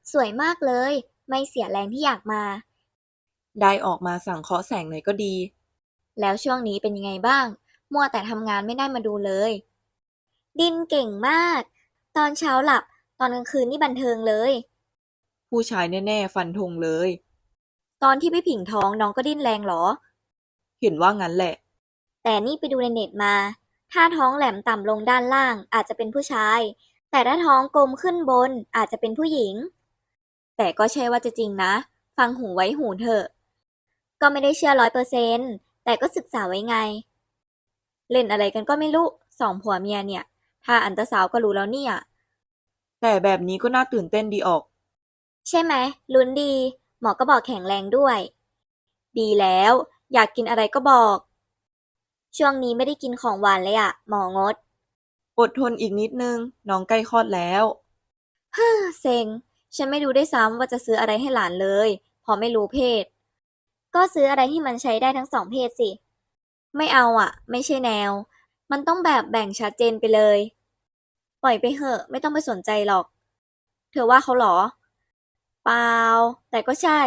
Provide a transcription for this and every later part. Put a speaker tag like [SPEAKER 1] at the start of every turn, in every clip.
[SPEAKER 1] สวยมากเลย ไม่เสียแรงที่อยากมา
[SPEAKER 2] ได้ออกมาสังเคราะห์แสงหน่อยก็ดี
[SPEAKER 1] แล้วช่วงนี้เป็นยังไงบ้าง มัวแต่ทำงานไม่ได้มาดูเลย ดินเก่งมาก ตอนเช้าหลับ ตอนกลางคืนนี่บันเทิงเลย
[SPEAKER 2] ผู้ชายแน่ๆฟันธงเลย
[SPEAKER 1] ตอนที่พี่ผิงท้องน้องก็ดิ้นแรงเหรอ
[SPEAKER 2] เห็นว่างั้นแหละ
[SPEAKER 1] แต่นี่ไปดูในเน็ตมา ถ้าท้องแหลมต่ำลงด้านล่างอาจจะเป็นผู้ชาย แต่ถ้าท้องกลมขึ้นบนอาจจะเป็นผู้หญิง แต่ก็ใช่ว่าจะจริงนะ ฟังหูไว้หูเถอะ ก็ไม่ได้เชื่อ100%แต่ก็ศึกษาไว้ไง เล่นอะไรกันก็ไม่รู้สองผัวเมียเนี่ย ถ้าอันตราซาวด์ก็รู้แล้วเนี่ย
[SPEAKER 2] แต่แบบนี้ก็น่าตื่นเต้นดีออก
[SPEAKER 1] ใช่ไหมลุ้นดี หมอก็บอกแข็งแรงด้วย ดีแล้ว อยากกินอะไรก็บอก ช่วงนี้ไม่ได้กินของหวานเลยอะหมองด
[SPEAKER 2] อดทนอีกนิดนึงน้องใกล้คลอดแล้ว
[SPEAKER 1] เซ็ง ฉันไม่รู้ด้วยซ้ำว่าจะซื้ออะไรให้หลานเลยเพราะไม่รู้เพศ ก็ซื้ออะไรที่มันใช้ได้ทั้งสองเพศสิ ไม่เอาอ่ะ ไม่ใช่แนว มันต้องแบบแบ่งชัดเจนไปเลย ปล่อยไปเหอะ ไม่ต้องไปสนใจหรอก เธอว่าเขาเหรอ เปล่า แต่ก็ใช่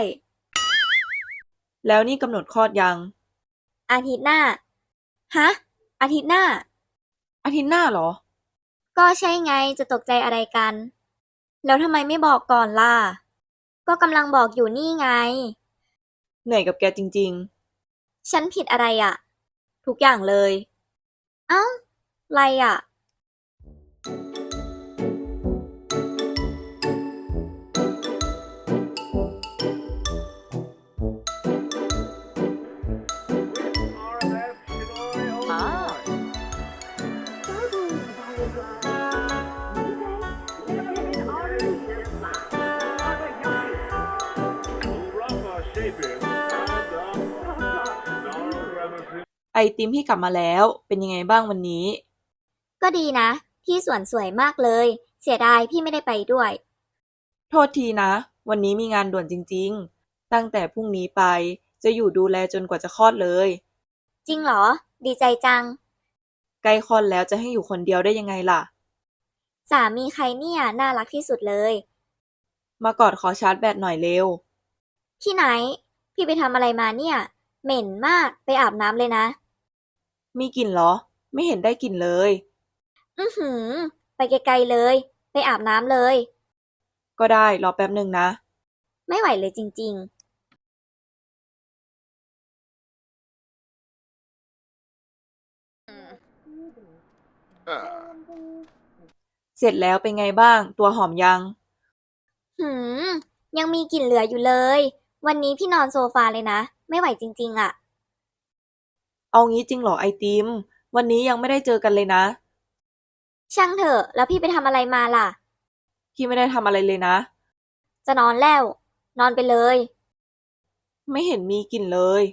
[SPEAKER 2] แล้วนี่กำหนดคลอดยัง
[SPEAKER 1] อาทิตย์หน้า ฮะ อาทิตย์หน้า
[SPEAKER 2] อาทิตย์หน้าเหรอ
[SPEAKER 1] ก็ใช่ไง จะตกใจอะไรกัน แล้วทำไมไม่บอกก่อนล่ะ ก็กำลังบอกอยู่นี่ไง
[SPEAKER 2] เหนื่อยกับแกจริง
[SPEAKER 1] ฉันผิดอะไรอ่ะ ทุกอย่างเลย เอ้า ไรอ่ะ
[SPEAKER 2] ๆไอติมที่กลับมาแล้วเป็นยังไงบ้างวันนี้
[SPEAKER 1] ก็ดีนะ ที่สวนสวยมากเลย เสียดายพี่ไม่ได้ไปด้วย
[SPEAKER 2] โทษทีนะวันนี้มีงานด่วนจริงๆตั้งแต่พรุ่งนี้ไปจะอยู่ดูแลจนกว่าจะคลอดเลย
[SPEAKER 1] จริงเหรอ ดีใจจัง
[SPEAKER 2] ใกล้คลอดแล้วจะให้อยู่คนเดียวได้ยังไงล่ะ
[SPEAKER 1] สามีใครเนี่ยน่ารักที่สุดเลย
[SPEAKER 2] มากอดขอชาร์จแบตหน่อยเร็ว
[SPEAKER 1] ที่ไหน พี่ไปทำอะไรมาเนี่ย เหม็นมาก ไปอาบน้ำเลยนะ
[SPEAKER 2] มีกลิ่นเหรอไม่เห็นได้กลิ่นเลย
[SPEAKER 1] อือหือ ไปไกลๆเลย ไปอาบน้ำเลย
[SPEAKER 2] ก็ได้รอแป๊บหนึ่งนะ
[SPEAKER 1] ไม่ไหวเลยจริง
[SPEAKER 2] เสร็จแล้วเป็นไงบ้างตัวหอมยัง
[SPEAKER 1] ๆหืม ยังมีกลิ่นเหลืออยู่เลย วันนี้พี่นอนโซฟาเลยนะ ไม่ไหวจริงๆอ่ะ
[SPEAKER 2] เอางี้จริงเหรอไอติมวันนี้ยังไม่ได้เจอกันเลยนะ
[SPEAKER 1] ช่างเถอะ แล้วพี่ไปทำอะไรมาล่ะ
[SPEAKER 2] พี่ไม่ได้ทำอะไรเลยนะ
[SPEAKER 1] จะนอนแล้ว นอนไปเลย
[SPEAKER 2] ไม่เห็นมีกลิ่นเลย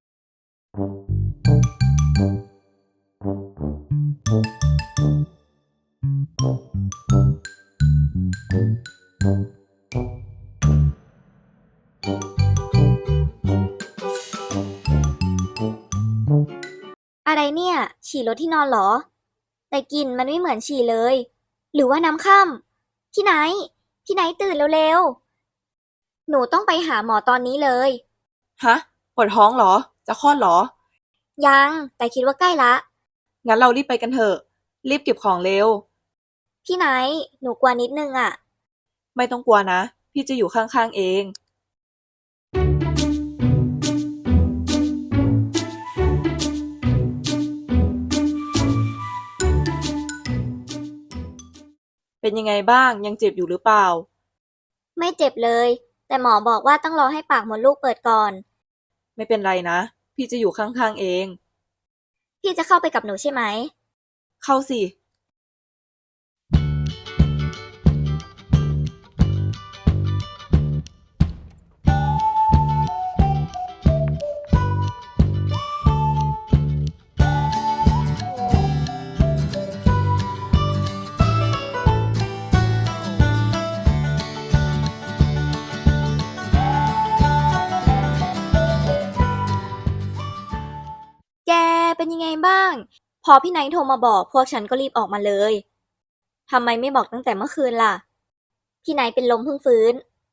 [SPEAKER 1] อะไรเนี่ย ฉี่รถที่นอนเหรอ แต่กลิ่นมันไม่เหมือนฉี่เลย หรือว่าน้ำค่ำพี่ไนท์พี่ไนท์ตื่นเร็วๆ หนูต้องไปหาหมอตอนนี้เลย
[SPEAKER 2] ฮะปวดท้องเหรอจะคลอดเหรอ
[SPEAKER 1] ยัง แต่คิดว่าใกล้ละ
[SPEAKER 2] งั้นเรารีบไปกันเถอะรีบเก็บของเร็ว
[SPEAKER 1] พี่ไนท์หนูกลัวนิดนึงอ่ะ
[SPEAKER 2] ไม่ต้องกลัวนะพี่จะอยู่ข้างๆเองเป็นยังไงบ้างยังเจ็บอยู่หรือเปล่า
[SPEAKER 1] ไม่เจ็บเลย แต่หมอบอกว่าต้องรอให้ปากมดลูกเปิดก่อน
[SPEAKER 2] ไม่เป็นไรนะพี่จะอยู่ข้างๆเอง
[SPEAKER 1] พี่จะเข้าไปกับหนูใช่ไหม
[SPEAKER 2] เข้าสิ
[SPEAKER 1] แกเป็นยังไงบ้าง พอพี่ไนท์โทรมาบอกพวกฉันก็รีบออกมาเลย ทำไมไม่บอกตั้งแต่เมื่อคืนล่ะ พี่ไนท์เป็นลมเพิ่งฟื้น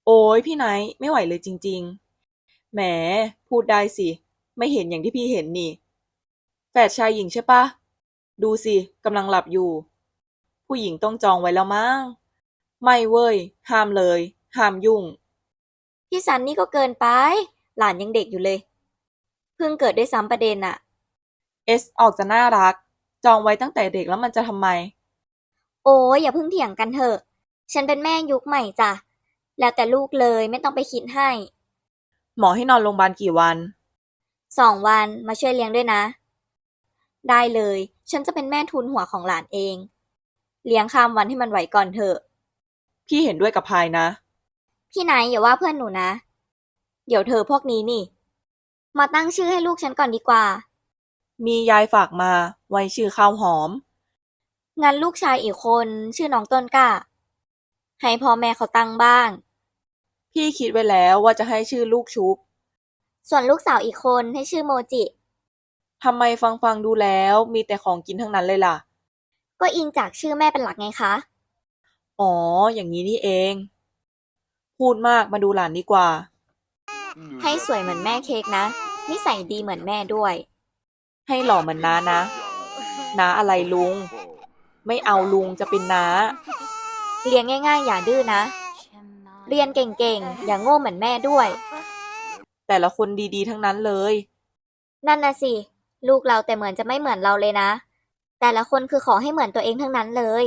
[SPEAKER 2] โอ้ยพี่ไนท์ไม่ไหวเลยจริงๆแหมพูดได้สิไม่เห็นอย่างที่พี่เห็นนี่แฝดชายหญิงใช่ปะดูสิกำลังหลับอยู่ผู้หญิงต้องจองไว้แล้วมั้งไม่เว้ยห้ามเลยห้ามยุ่ง
[SPEAKER 1] พี่ซันนี่ก็เกินไปหลานยังเด็กอยู่เลยเพิ่งเกิดด้วยซ้ำประเด็นอะ
[SPEAKER 2] เอสออกจะน่ารักจองไว้ตั้งแต่เด็กแล้วมันจะทำไม
[SPEAKER 1] โอ้ยอย่าเพิ่งเถียงกันเถอะฉันเป็นแม่ยุคใหม่จ้ะแล้วแต่ลูกเลยไม่ต้องไปคิดให้
[SPEAKER 2] หมอให้นอนโรงพยาบาลกี่วัน
[SPEAKER 1] 2 วันมาช่วยเลี้ยงด้วยนะได้เลยฉันจะเป็นแม่ทุนหัวของหลานเองเลี้ยงข้ามวันให้มันไหวก่อนเถอะ
[SPEAKER 2] พี่เห็นด้วยกับพายนะ
[SPEAKER 1] พี่ไนท์อย่าว่าเพื่อนหนูนะเดี๋ยวเธอพวกนี้นี่มาตั้งชื่อให้ลูกฉันก่อนดีกว่า
[SPEAKER 2] มียายฝากมาไว้ชื่อข้าวหอม
[SPEAKER 1] งั้นลูกชายอีกคนชื่อน้องต้นกล้าให้พ่อแม่เขาตั้งบ้าง
[SPEAKER 2] พี่คิดไว้แล้วว่าจะให้ชื่อลูกชุบ
[SPEAKER 1] ส่วนลูกสาวอีกคนให้ชื่อโมจิ
[SPEAKER 2] ทำไมฟังดูแล้วมีแต่ของกินทั้งนั้นเลยล่ะ
[SPEAKER 1] ก็อิงจากชื่อแม่เป็นหลักไงคะ
[SPEAKER 2] อ๋ออย่างนี้นี่เองพูดมากมาดูหลานดีกว่า
[SPEAKER 1] ให้สวยเหมือนแม่เค้กนะนิสัยดีเหมือนแม่ด้วย
[SPEAKER 2] ให้หล่อเหมือนน้านะน้าอะไรลุงไม่เอาลุงจะเป็นน้า
[SPEAKER 1] เลี้ยงง่ายๆอย่าดื้อนะเรียนเก่งๆอย่าโง่เหมือนแม่ด้วย
[SPEAKER 2] แต่ละคนดีๆทั้งนั้นเลย
[SPEAKER 1] นั่นน่ะสิลูกเราแต่เหมือนจะไม่เหมือนเราเลยนะแต่ละคนคือขอให้เหมือนตัวเองทั้งนั้นเลย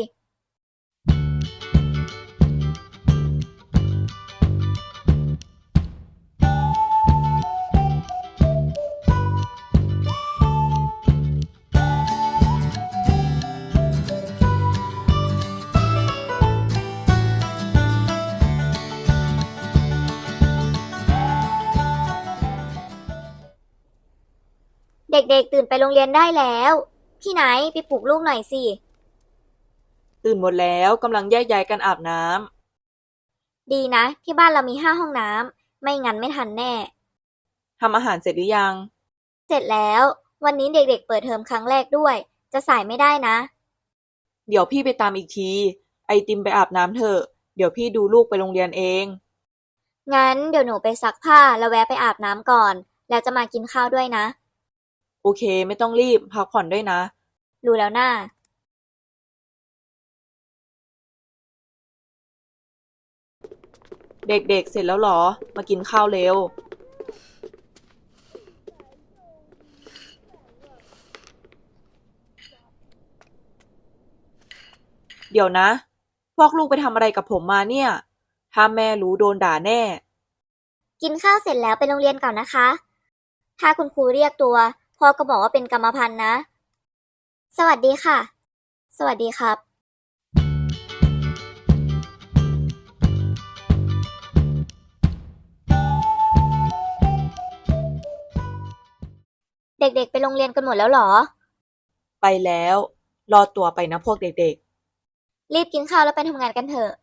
[SPEAKER 1] เด็กๆตื่นไปโรงเรียนได้แล้วพี่ไหนไปปลุกลูกหน่อยสิ
[SPEAKER 2] ตื่นหมดแล้วกำลังแยกย้ายกันอาบน้
[SPEAKER 1] ดีนะที่บ้านเรามี5 ห้องน้ำไม่งั้นไม่ทันแน่
[SPEAKER 2] ำทำอาหารเสร็จหรือยัง
[SPEAKER 1] เสร็จแล้ววันนี้เด็กๆเปิดเทอมครั้งแรกด้วยจะสายไม่ได้นะ
[SPEAKER 2] เดี๋ยวพี่ไปตามอีกทีไอติมไปอาบน้ำเถอะเดี๋ยวพี่ดูลูกไปโรงเรียนเอง
[SPEAKER 1] งั้นเดี๋ยวหนูไปซักผ้าแล้วแวะไปอาบน้ำก่อนแล้วจะมากินข้าวด้วยนะ
[SPEAKER 2] โอเคไม่ต้องรีบพักผ่อนด้วยนะ
[SPEAKER 1] รู้แล้วน่า
[SPEAKER 2] เด็กๆเสร็จแล้วเหรอมากินข้าวเร็วเดี๋ยวนะพวกลูกไปทำอะไรกับผมมาเนี่ยถ้าแม่รู้โดนด่าแน่
[SPEAKER 1] กินข้าวเสร็จแล้วไปโรงเรียนก่อนนะคะถ้าคุณครูเรียกตัวพ่อก็บอกว่าเป็นกรรมพันธุ์นะสวัสดีค่ะสวัสดีครับเด็กๆไปโรงเรียนกันหมดแล้วเหรอ
[SPEAKER 2] ไปแล้วรอตัวไปนะพวกเด็ก
[SPEAKER 1] รีบกินข้าวแล้วไปทำงานกันเถอะ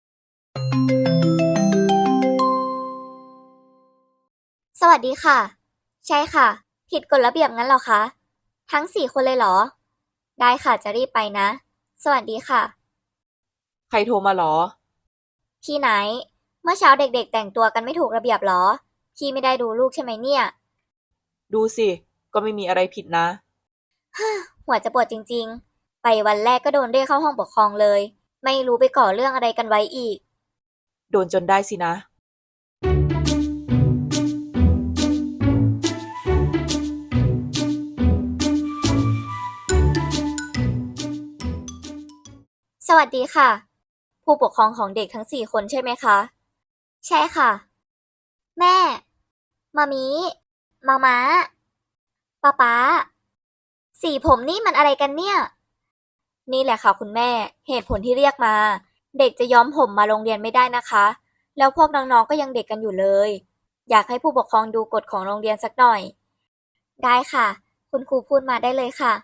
[SPEAKER 1] สวัสดีค่ะใช่ค่ะผิดกฎระเบียบงั้นเหรอคะทั้ง4 คนเลยเหรอได้ค่ะจะรีบไปนะสวัสดีค่ะ
[SPEAKER 2] ๆใครโทรมาหรอ
[SPEAKER 1] พี่ไหนเมื่อเช้าเด็กๆแต่งตัวกันไม่ถูกระเบียบเหรอพี่ไม่ได้ดูลูกใช่ไหมเนี่ย
[SPEAKER 2] ดูสิก็ไม่มีอะไรผิดนะ
[SPEAKER 1] หัวจะปวดจริงๆไปวันแรกก็โดนเรียกเข้าห้องปกครองเลยไม่รู้ไปก่อเรื่องอะไรกันไว้อีก
[SPEAKER 2] โดนจนได้สินะ
[SPEAKER 1] สวัสดีค่ะผู้ปกครองของเด็กทั้ง4 คนใช่ไหมคะใช่ค่ะแม่มามีมาม้าป๊าป๊าสีผมนี่มันอะไรกันเนี่ยนี่แหละค่ะคุณแม่เหตุผลที่เรียกมาเด็กจะย้อมผมมาโรงเรียนไม่ได้นะคะแล้วพวกน้องๆก็ยังเด็กกันอยู่เลยอยากให้ผู้ปกครองดูกฎของโรงเรียนสักหน่อยได้ค่ะคุณครูพูดมาได้เลยค่ะ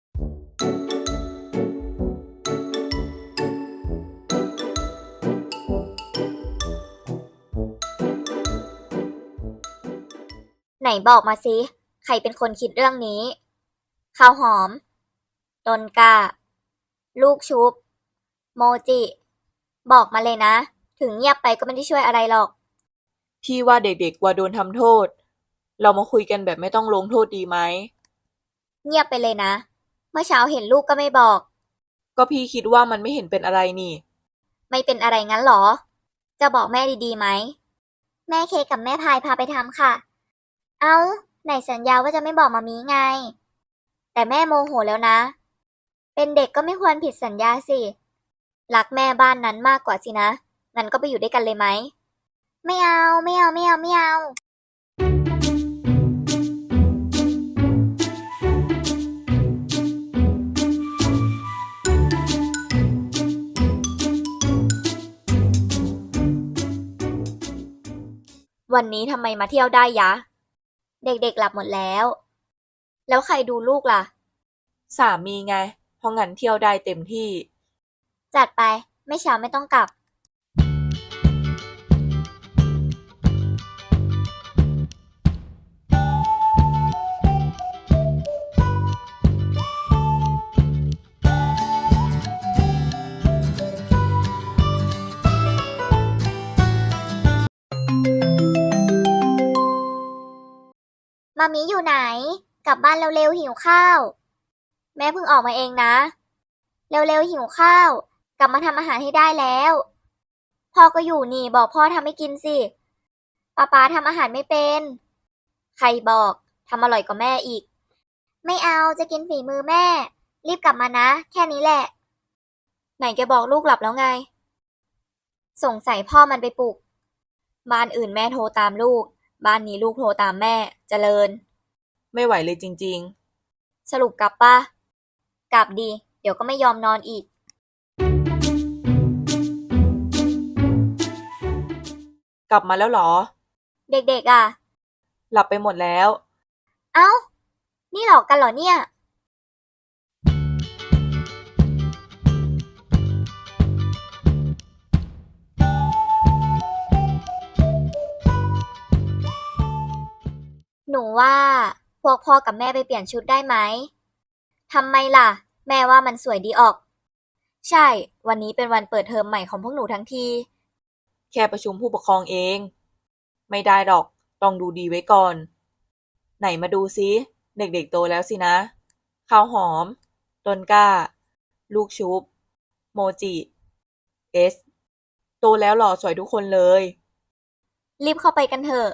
[SPEAKER 1] ไหนบอกมาสิใครเป็นคนคิดเรื่องนี้ข้าวหอมต้นกล้าลูกชุบโมจิบอกมาเลยนะถึงเงียบไปก็ไม่ได้ช่วยอะไรหรอก
[SPEAKER 2] พี่ว่าเด็กๆกว่าโดนทำโทษ เรามาคุยกันแบบไม่ต้องลงโทษดีไหม
[SPEAKER 1] เงียบไปเลยนะ เมื่อเช้าเห็นลูกก็ไม่บอก
[SPEAKER 2] ก็พี่คิดว่ามันไม่เห็นเป็นอะไรนี่
[SPEAKER 1] ไม่เป็นอะไรงั้นหรอ จะบอกแม่ดีๆไหม แม่เคกับแม่พายพาไปทำค่ะ เอ้า ไหนสัญญาว่าจะไม่บอกมามีไง แต่แม่โมโหแล้วนะ เป็นเด็กก็ไม่ควรผิดสัญญาสิ รักแม่บ้านนั้นมากกว่าสินะ งั้นก็ไปอยู่ด้วยกันเลยไหม ไม่เอา ไม่เอา ไม่เอา ไม่เอา วันนี้ทำไมมาเที่ยวได้ยะ เด็กๆหลับหมดแล้ว แล้วใครดูลูกล่ะ
[SPEAKER 2] สามีไง เพราะงั้นเที่ยวได้เต็มที่
[SPEAKER 1] จัดไป ไม่เช้าไม่ต้องกลับ มามีอยู่ไหน กลับบ้านเร็วๆหิวข้าว แม่เพิ่งออกมาเองนะ เร็วๆหิวข้าว กลับมาทำอาหารให้ได้แล้ว พ่อก็อยู่นี่บอกพ่อทำให้กินสิป๊าทำอาหารไม่เป็น ใครบอกทำอร่อยกว่าแม่อีก ไม่เอาจะกินฝีมือแม่ รีบกลับมานะ แค่นี้แหละ ไหนแกบอกลูกหลับแล้วไง สงสัยพ่อมันไปปลุก บ้านอื่นแม่โทรตามลูก บ้านนี้ลูกโทรตามแม่ เจริญ
[SPEAKER 2] ไม่ไหวเลยจริง
[SPEAKER 1] สรุปกลับปะกลับดี เดี๋ยวก็ไม่ยอมนอนอีก
[SPEAKER 2] ๆ กลับมาแล้วเหรอ
[SPEAKER 1] เด็กๆอ่ะ
[SPEAKER 2] หลับไปหมดแล้ว
[SPEAKER 1] เอ้า นี่หลอกกันเหรอเนี่ย หนูว่าพวกพ่อกับแม่ไปเปลี่ยนชุดได้ไหม ทำไมล่ะ แม่ว่ามันสวยดีออก ใช่ วันนี้เป็นวันเปิดเทอมใหม่ของพวกหนูทั้งที
[SPEAKER 2] แค่ประชุมผู้ปกครองเอง ไม่ได้หรอก ต้องดูดีไว้ก่อน ไหนมาดูซิ เด็กๆโตแล้วสินะ ข้าวหอม ต้นกล้า ลูกชุบ โมจิ เอส โตแล้วหล่อสวยทุกคนเลย
[SPEAKER 1] รีบเข้าไปกันเถอะ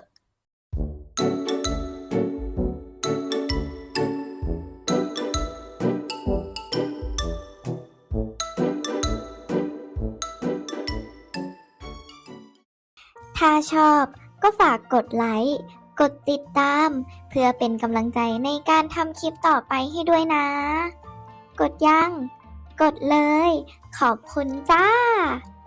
[SPEAKER 1] ถ้าชอบก็ฝากกดไลค์ กดติดตาม เพื่อเป็นกำลังใจในการทำคลิปต่อไปให้ด้วยนะ กดยัง กดเลย ขอบคุณจ้า